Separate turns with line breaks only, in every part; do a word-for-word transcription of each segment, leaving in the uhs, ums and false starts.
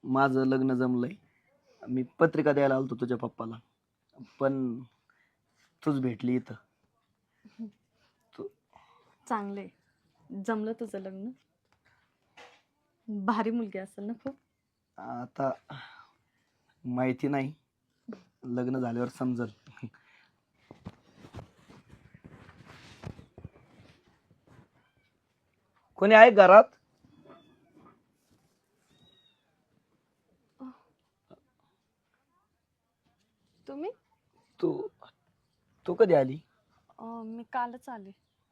माझं लग्न जमलंय. मी पत्रिका द्यायला आलतो तुझ्या पप्पाला, पण तूच भेटली इथं. तू
चांगले जमलं तुझं लग्न. भारी मुलगी असेल ना खूप.
आता माहिती नाही, लग्न झाल्यावर समजल. कोणी आहे घरात?
तुम्ही?
तू तू कधी आली?
अं, मी कालच आले.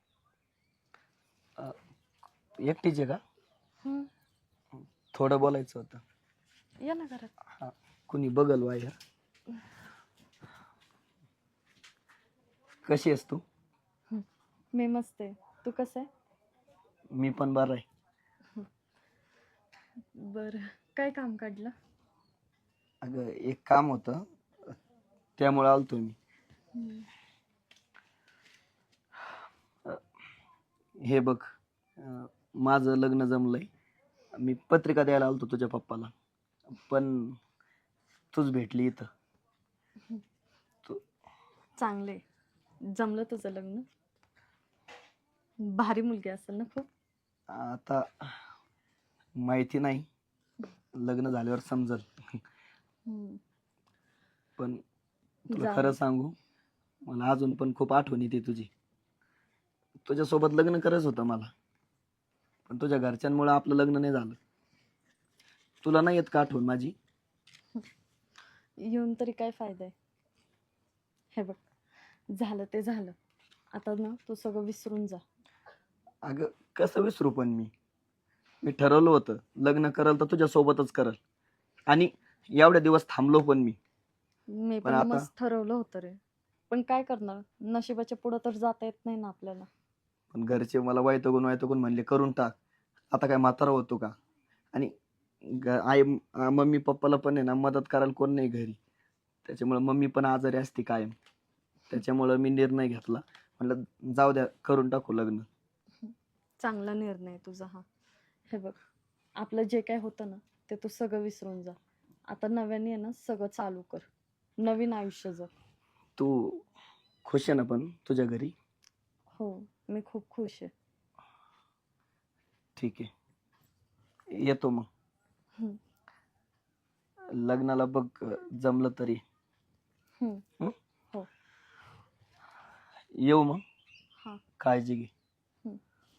एकटीच आहे का?
हम्म,
थोडं बोलायचं होतं.
या ना घरात.
हा, कुणी बघल बाहेर. कशी आहेस तू?
हम्म, मी मस्त आहे. तू कसं आहे?
मी पण बरं आहे.
बरं, काय काम काढलं?
अगं एक काम होतं, त्यामुळे आलतो मी.
हम्म,
हे बघ, अं, माझं लग्न जमलंय. मी पत्रिका द्यायला आलतो तुझ्या पप्पाला, पण तूच भेटली इथं. तू
चांगले जमलं तुझं लग्न. भारी मुलगी असेल ना खूप.
आता माहिती नाही, लग्न झाल्यावर समजल.
हम्म,
पण तुला
जाऊ
खरं
दे.
सांगू, मला अजून पण खूप आठवण येते तुझी. तुझ्यासोबत लग्न करायचं होतं मला, पण तुझ्या घरच्यांमुळे आपलं लग्न नाही झालं. तुला नाही येत का आठवण माझी?
येऊन तरी काय फायदा आहे? हे बघ, झालं ते झालं. आता ना तू सगळं विसरून जा.
अगं कसं विसरू, पण मी मी ठरवलं होतं लग्न करल तर तुझ्या सोबतच करल, आणि एवढ्या दिवस थांबलो पण मी.
मी
पण
पण
आता
मस्त ठरवलं होतं रे, पण काय करणार, नशिबाच्या पुढं तर जाता येत नाही ना आपल्याला.
पण घरचे मला वैतागून वैतागून म्हणले करून टाक. आता काय म्हातारा होतो का? आणि ग- आई अं, मम्मी पप्पाला पण आहे ना मदत करायला कोण नाही घरी, त्याच्यामुळे मम्मी पण आजारी असते कायम. त्याच्यामुळे मी निर्णय घेतला, म्हणलं जाऊ द्या, करून टाकू लग्न.
चांगला निर्णय आहे तुझा हा. हे बघ, आपलं जे काय होतं ना ते तू सगळं विसरून जा. आता नव्याने आहे ना सगळं चालू कर, नवीन आयुष्य जग.
तू खुश आहे ना पण तुझ्या घरी?
हो, मी खूप खुश आहे.
ठीक आहे, येतो मग.
हम्म,
लग्नाला बघ, जमलं तरी.
हम्म,
हं?
हो.
येऊ मग.
हा.
काळजी घे.
हम्म.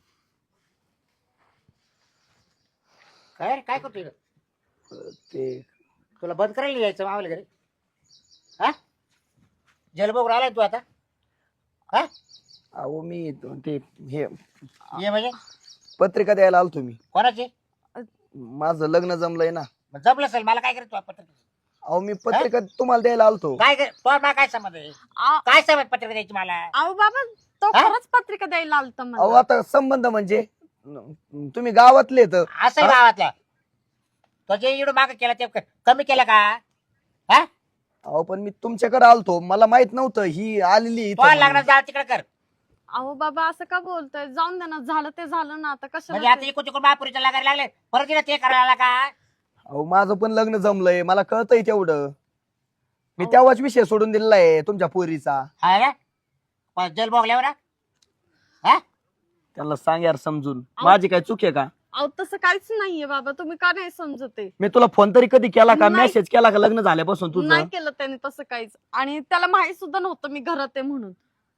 काय रे, काय करतो इकडं?
अं, ते
तुला बंद करायला यायचं मावल्या घरी? हा, जलबोग राहिलाय तू आता? हा,
अहो मी ते हे
ये म्हणजे
पत्रिका द्यायला आलतो मी.
कोणाची?
माझं लग्न जमलंय ना.
मग जमलं असेल, मला काय करतो पत्र?
अहो मी पत्रिका तुम्हाला द्यायला आलतो.
काय कर तो, मला काय समज आहे?
आ-
काय समज पत्रिका द्यायची मला?
अहो बाबा, तो
हा?
खरंच पत्रिका द्यायला आलता
अहो
मला.
आता संबंध म्हणजे न- तुम्ही गावातले तर.
असं आहे गावातल्या. तो जे इकडं माग केला ते क- कमी केलं का? हा,
अहो पण मी तुमच्याकडे आलतो, मला माहित नव्हतं ही आलेली इथं
तो
म्हणून.
लग्नात जा तिकडे कर.
अहो बाबा, असं का बोलतोय? जाऊन दे ना, झालं ते झालं ना, आता
म्हणजे
कशाला
आता
ते-
इकडे तिकडे महापुरीच्या लागायला लागले, परत तिला ते करायला लागला का?
अहो माझं पण लग्न जमलंय, मला कळतंय तेवढं. मी
अहो.
तेव्हाच विषय सोडून दिलेला आहे तुमच्या पोरीचा.
हा ना, पण जलबोगल्यावर ना? हा,
त्यांना सांग यार समजून,
अहो.
माझी काय चूक आहे का?
अहो तसं काहीच नाहीये बाबा, तुम्ही का नाही समजते?
मी तुला फोन तरी कधी केला का,
नाही.
मेसेज केला का लग्न झाल्यापासून तुझं?
नाही केलं त्याने तसं काहीच, आणि त्याला माहित सुद्धा नव्हतं मी घरात आहे म्हणून.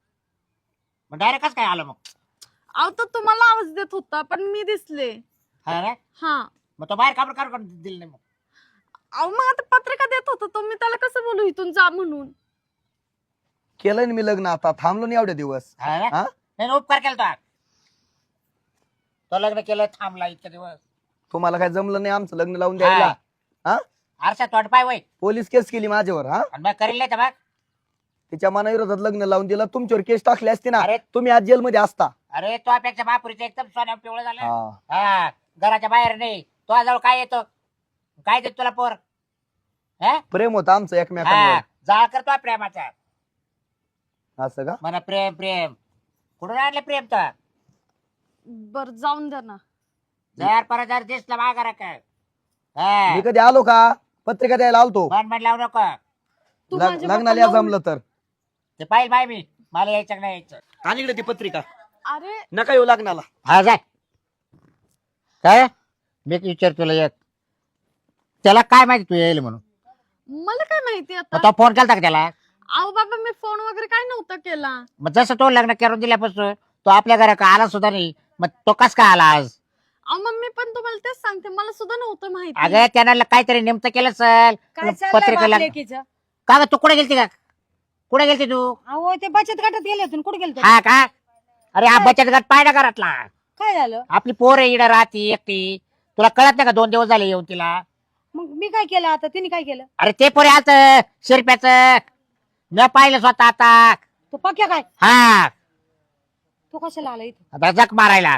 मग डायरेक्ट काय आलं मग?
अहो तो तुम्हाला आवाज देत होता, पण मी दिसले.
हा ना,
हा.
मग तो बाहेर काबर काढून दिलं नाही मग?
अहो मग आता पत्रिका देत होता तो, मी त्याला कसं बोलू इथून जा म्हणून?
केलंय ना मी लग्न, आता थांबलो नाही एवढे दिवस.
हा ना?
हा?
नाही नाही, उपकार केला तो. तो लग्न केलं, थांबला इतके दिवस.
तुम्हाला काय जमलं नाही आमचं लग्न लावून द्यायला? हा?
आरसा तोंड पाय वय,
पोलीस केस केली माझ्यावर. हा,
आणि मग करेल नाही तर मग?
तिच्या मनाविरोधात लग्न लावून दिलं, तुमच्यावर केस टाकली असती ना,
अरे
तुम्ही आज जेलमध्ये असता.
अरे, तो अपेक्षा महापुरीचं एकदम सोन्या पिवळं झालं.
हा.
हा, घराच्या बाहेर नाही. तो जवळ काय येतो, काय देत तुला पोर? हा,
प्रेम होतं आमचं एकमेकांवर.
जाळ करतो प्रेमाचा.
असं का?
म्हणा प्रेम प्रेम, कुठून आणलं प्रेम तर?
बर जाऊन द्या ना.
जर परत जर दिसला माघारा काय हा.
मी कधी आलो का पत्रिका द्यायला आलतो
मन मन लावू नको.
तू
लग-
माझ्या
लग्नाला
बापाला
जमलं तर
ते पाहिजे बाय मी मला यायचं का नाही यायचं.
आणि इकडे ती पत्रिका
अरे
नका येऊ लग्नाला.
हा जाय. काय मी विचार तुला एक त्याला काय माहिती तू येईल म्हणून.
मला काय माहिती
मग
आता.
तो फोन केला का त्याला.
अहो बाबा मी फोन वगैरे काय नव्हता केला.
मग जसं तो लग्न करून दिल्यापासून तो आपल्या घरात आला सुद्धा नाही. मग तो कस काय आला आज.
अहो मम्मी पण तुम्हाला तेच सांगते मला सुद्धा नव्हतं माहिती.
अगं त्यानं काहीतरी नेमकं केलं असेल
काय चाललंय
पत्रिकेला.
बापलेकीचं?
का ग तू कुठे गेलती का कुठे गेलती तू.
अहो ते बचत गटात गेले होते कुठे गेलते?
हा का अरे हा बचत गट पाहिला घरातला.
काय झालं?
आपली पोर आहे इकडे राहती एकटी. तुला कळत नाही का दोन दिवस झाले येऊन तिला.
मग मी काय केलं आता? तिने काय केलं?
अरे ते पोरे आलत शिरप्याच मी पाहिलं स्वतः आता.
तो पक्या काय?
हा
तो कशाला आला इथे?
आता जग मारायला.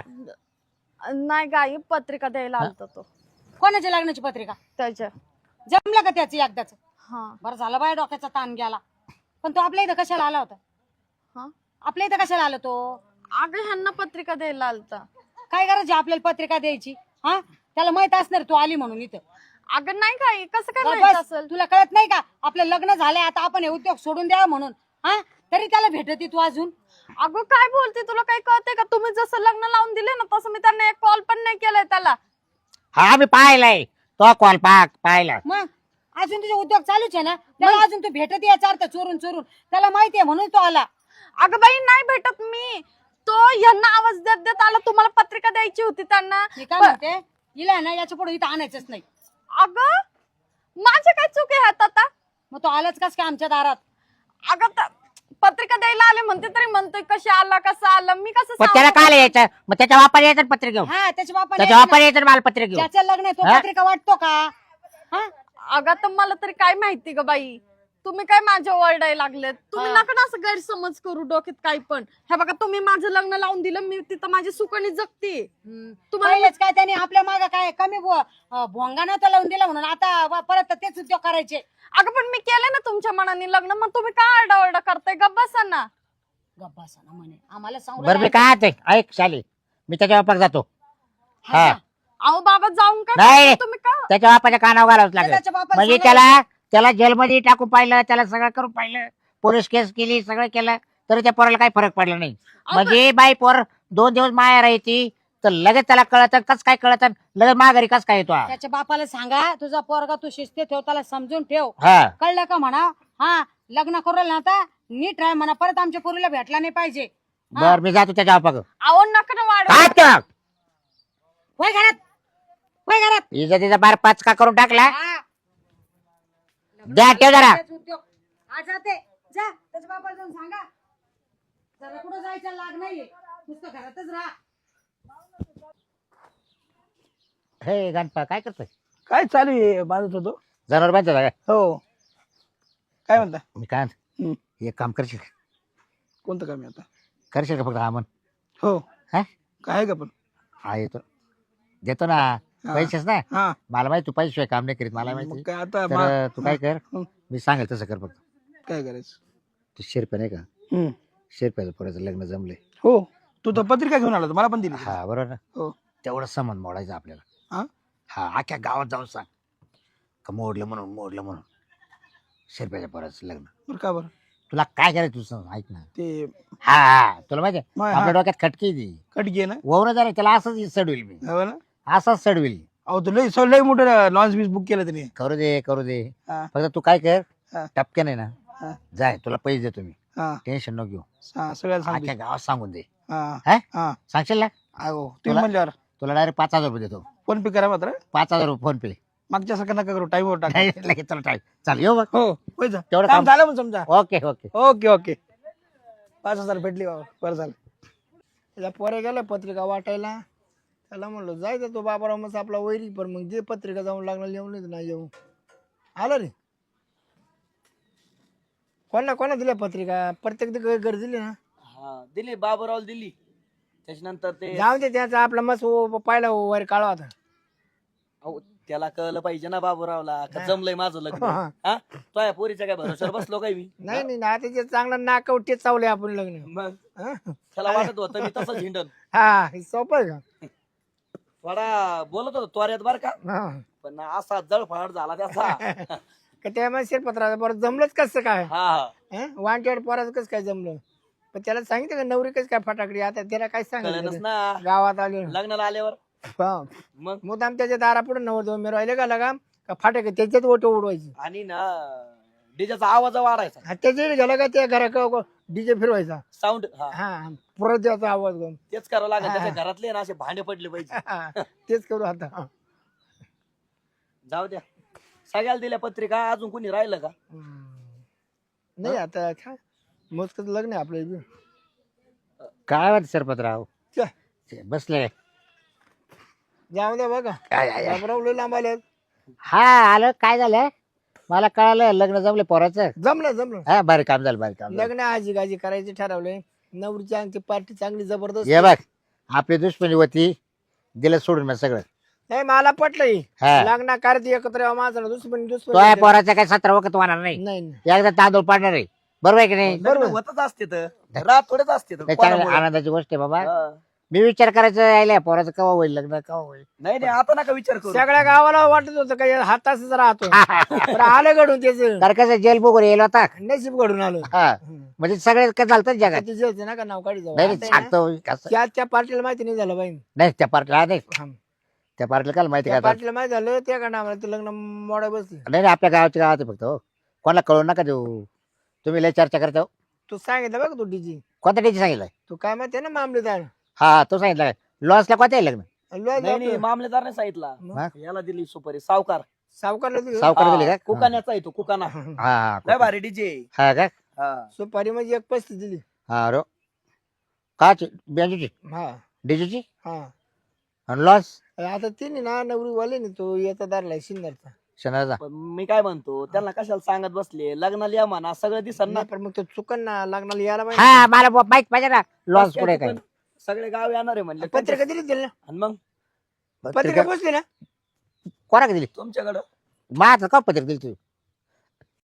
नाही गाई पत्रिका द्यायला आलता तो
कोणाच्या लग्नाची पत्रिका?
त्याच्या.
जमलं का त्याचं एकदाच?
हा
बरं झालं बाय डोक्याचा ताण गेला. पण तो आपल्या इथं कशाला आला होता?
हा
आपल्या इथं कशाला आला तो?
अगं ह्यांना पत्रिका द्यायला आलता.
काय गरज आहे आपल्याला पत्रिका द्यायची? हा त्याला माहित असणार तू आली म्हणून इथं.
अगं नाही गाई कसं काय
बस,
माहित असेल.
तुला कळत नाही का आपलं लग्न झालंय आता आपण हे उद्योग सोडून द्यावा म्हणून. हा तरी त्याला भेटती तू अजून.
अगं काय बोलते तुला काही कळते का. तुम्ही जसं लग्न लावून दिले ना तसं मी त्यांना एक कॉल पण नाही केलाय त्याला.
हा मी पाहिलाय तो कॉल पाक पाहिला.
मग अजून तुझे उद्योग चालूच आहे ना. त्याला अजून तू भेटत याचा अर्थ चोरून चोरून त्याला माहितीये म्हणून तो आला.
अगं बाई नाही भेटत मी. तो ह्यांना आवाज देत देत आला तुम्हाला पत्रिका द्यायची होती त्यांना.
मी काय म्हणते हिला ना याच्या पुढे इथं आणायचंच नाही.
अगं माझे काय चूक आहे ह्यात आता.
मग तो आलाच कस काय आमच्या दारात?
अगं त- पत्रिका द्यायला आले म्हणते तरी म्हणतोय कशी आला कसं आला मी कसं
पण त्याला
सांगू?
काय यायचं मग त्याच्या वापर यायचं ना पत्रिका घेऊन.
हा त्याच्या बापाला
त्याच्या वापर यायचं ना मला पत्रिका घेऊन.
ज्याचं लग्न आहे तो
हा?
पत्रिका वाटतो का? हा
अगं तर मला तरी काय माहिती ग बाई. तुम्ही काय माझ्या ओरडायला लागलेत. तुम्ही
हा.
नका ना असं गैरसमज करू डोक्यात काही पण. हे बघा तुम्ही माझं लग्न लावून दिलं मी तिथं माझी सुकणी जगते.
हम्म.
तुम्हाला
पहिलेच काय त्याने आपल्या माग काय कमी भो- अं, भोंगा नव्हता लावून दिला म्हणून आता व- परत तेच उद्योग करायचे.
अगं पण मी केलं ना तुमच्या मनाने लग्न मग तुम्ही काय आरडाओरडा करताय. गप्प बसा ना.
गप्पा ना म्हणे आम्हाला सांगू
बरं मी काय ते ऐक शाली मी त्याच्या वापर जातो.
हा.
हा.
अहो बाबा जाऊन काय
नाही.
करताय तुम्ही का.
त्याच्या बापाच्या कानावर घालावंच लागेल.
त्याच्या बापाला
म्हणजे
सांगायचं.
त्याला त्याला जेलमध्ये टाकून पाहिलं त्याला सगळं करून पाहिलं पोलीस केस केली सगळं केलं तरी त्या पोराला काही फरक पडला नाही. म्हणजे बाई पोर दोन दिवस माया राहायची तर लगेच त्याला कळत कस काय कळत लगेच माघारी कस काय येतो हा?
त्याच्या बापाला सांगा तुझा पोरगा तू शिस्ते ठेव त्याला समजून ठेव.
हा
कळलं का म्हणा. हा लग्न करू ना आता नीट राह म्हणा परत आमच्या पोरीला भेटला नाही पाहिजे. हा.
बर मी जातो त्याच्या बापाक.
अहो नका ना वाढ.
काय
वय घरात वय घरात.
इज्जतीचा बार पाच का करून टाकला.
हा.
द्या ठेव जरा.
तेच उद्योग. हा जाते जा त्याच्या बापाला जाऊन सांगा जरा कुठं जायचं लाग नाहीये नुसतं घरातच राहा.
हे गणपा काय करतोय.
काय चालू आहे बांधत होतो.
जनावर बांधतो का.
हो काय म्हणता.
मी काय
हम्म.
म्हणतो, एक काम करशील का?
कोणतं काम आहे आता.
करशील का फक्त हा म्हण.
हो
हा?
काय का पण.
हा येतो देतो ना
हा.
पैसेच ना.
हा
मला माहिती तू पैसे काम नाही करीत मला
मग
माहिती.
काय आता
तर
मा-
तू काय कर
हं.
मी सांगेल तसं कर फक्त.
काय करायचं.
तू शिरप्या नाही का
हम्म.
शिरप्याचं पोराचं लग्न जमले.
हो तू तर पत्रिका घेऊन आला होता, मला पण दिली.
हा बरोबर ना.
हो.
तेवढं संबंध मोडायचं आपल्याला.
हा?
हा अख्ख्या गावात जाऊन सांग का मोडलं म्हणून मोडलं म्हणून शिरप्याच्या पोराचं लग्न.
बरं का बरं
तुला काय करायचं तू सांग ऐक ना.
ते
हा हा तुला माहिती आहे,
माय-
आपल्या
हा.
डोक्यात खटकी ती
कटकी आहे ना.
वरून झालं त्याला असंच सडविल मी
हो ना.
असंच सडविल.
अहो तू लय लय मोठं लॉन्च बीस बुक केलं त्याने.
करू दे करू दे
हा.
फक्त तू काय कर
हा.
टपक्या नाही ना
हा.
जाय तुला पैसे देतो मी
हा
टेन्शन नको घेऊ.
हा सगळ्याला सांगतो.
अख्ख्या गावात सांगून दे.
हा
हा?
हा
सांगशील ना
अहो तुम्ही
तुला-
म्हणल्यावर
तुला डायरेक्ट पाच हजार रुपये देतो.
फोन पे करा मात्र.
पाच हजार रुपये फोन पे.
मागच्या सारखं नका करू टाईमवर टाका.
लगेच चला टाईम चाल येऊ मग.
हो होय जा.
तेवढं
काम
काम
झालं मग समजा.
Okay okay.
ओके ओके पाच हजार भेटली बाबा बरं झालं. त्याला पोरे गेला पत्रिका वाटायला. त्याला म्हणलो जायचं तो बाबाराव मग आपला वैरी पण मग जे पत्रिका जाऊन लागणार येऊन नाही तर नाही येऊ. आलं रे कोणा कोणा दिल्या पत्रिका प्रत्येक ते घर दिली ना.
हा दिली बाबूराव दिली. त्याच्यानंतर ते
जाऊन ते त्याचा आपला मस्त पाहिला वर काळा होता.
अहो, त्याला कळलं पाहिजे ना बाबूरावला का जमलंय माझं लग्न.
हा.
हा तो या पोरीच्या काय भरोशावर बसलो काय मी.
नाही नाही ना त्याचे चांगला नाकावटे चावले आपण लग्न.
मग
हा?
त्याला वाटत होतं मी तसंच हिंडन.
हा हे सोपं आहे का.
थोडा बोलत होतो त्वऱ्यात बर का
हा.
पण असा जळफळाट झाला त्याचा
का त्यामुळे शिरपत्राला बरं जमलंच कसं काय
हा हा
वांटेवाड पोराचं कसं काय जमलं पण त्याला सांगितलं का नवरी कसं काय फटाकडी आता त्याला काय
कळलंच
सांगितलं
ना
गावात आले
लग्नाला आल्यावर मग
मुद्दाम त्याच्या दारापुढे नवर दोन मी राहिले का लगा का फाटक त्याच्यात ओटो उडवायची
आणि ना डीजेचा आवाज वाढायचा
हा, त्याच्या गेला का त्या घरा डीजे फिरवायचा
साऊंड हा
हा परत त्याचा आवाज घेऊन
तेच करावं लागेल
हा.
त्याच्या घरातले ना असे भांडे पडले पाहिजे
हा, तेच करू आता
जाऊ द्या सगळ्याला दिल्या पत्रिका अजून कोणी राहिलं का
हम्म. नाही आता काय मोजकच लग्न आहे आपलं बी.
काय वाटत सरपतराव
च्या,
बसले
जाऊ द्या बघा
काय- काय-
बाबराव लय लांब आले
हा आलं काय झालं मला कळालं लग्न जमले पोराचं
जमलं जमलं
हा भारी काम झालं भारी काम झालं
लग्न आजी गाजी करायचे ठरवलंय नवरीची आमची पार्टी चांगली जबरदस्त
ये बघ आपली दुश्मनी होती दिलं सोडून मग सगळं
नाही मला पटलंय
हा
लग्न कार्य एकत्र यावं माझं दुश्मन
तो
दुश्मन
आहे पोराचा काय सतरा वखत होणार नाही
नाही नाही.
एकदा तांदूळ पाडणार आहे बरोबर आहे की नाही
बरोबर होतच असते तर रात थोडेच असते तर.
नाही, चांगली
कोणामुळे?
आनंदाची गोष्ट आहे बाबा
हा.
मी विचार करायचं यायला पोराचं केव्हा होईल लग्न केव्हा होईल
नाही नाही आता नका विचार करू
सगळ्या गावाला वाटत होतं काही हाताच राहतो पण आलं घडून त्याच
तर कसं जेल बुक येईल होता
नशीब घडून आलं
हा म्हणजे सगळे काय चालतं जगात
ते जेलचं ना का नाव काढी जाऊ
नाही
आता
नाही,
आहे ना,
सांगतो कसं
त्या त्या पार्टीला माहिती नाही झालं बाई
नाही त्या पार्टीला नाही
हा.
त्या पार्टीला काय माहिती
त्या
काय
पार्टीला माहिती झालं त्या का नावाला ते लग्न मोडा बसली
नाही नाही आपल्या गावाच्या गावात आहे फक्त हो कोणाला कळू नका देऊ तुम्ही लय चर्चा करता हो.
तू सांगितलं बघ तू डीजी
कोणत्या टीची सांगितलं
तू काय माहिती ना मामलेदार
हा तो सांगितलं काय लॉसला कोणत्या आहे लग्न
लय
नाही नाही
आपलं
मामलेदारने सांगितला
हा?
याला दिली सुपारी सावकार
सावकारला दिली.
सावकार दिली
हा,
का
कुकाण्याचा आहे तो कुकाना
हा हा
लय भारी डीजे
हा का
हा
सुपारी म्हणजे एक पस्तीस दिली
हा रो काची बेंजूची
हा
डीजीची
हा
आणि लॉस
आता तिने ना नवरी वाले ना तो याचा दारला शिंदरचा
शनाचा
पण मी काय म्हणतो त्यांना कशाला सांगत बसले लग्नाला या म्हणा सगळं दिसन ना
नाही पण मग तो चुकन ना लग्नाला यायला
हा
पाहिजे
मला ब- माहित पाहिजे ना लॉस
काय
पुढे
ते
काय
पण सगळे गाव येणार आहे म्हणले
पत्रिका दिली दिली ना
आणि मग
पत्रिका पोचली ना
कोणाकडे दिली
तुमच्याकडं
माझं का पत्रिका दिली तू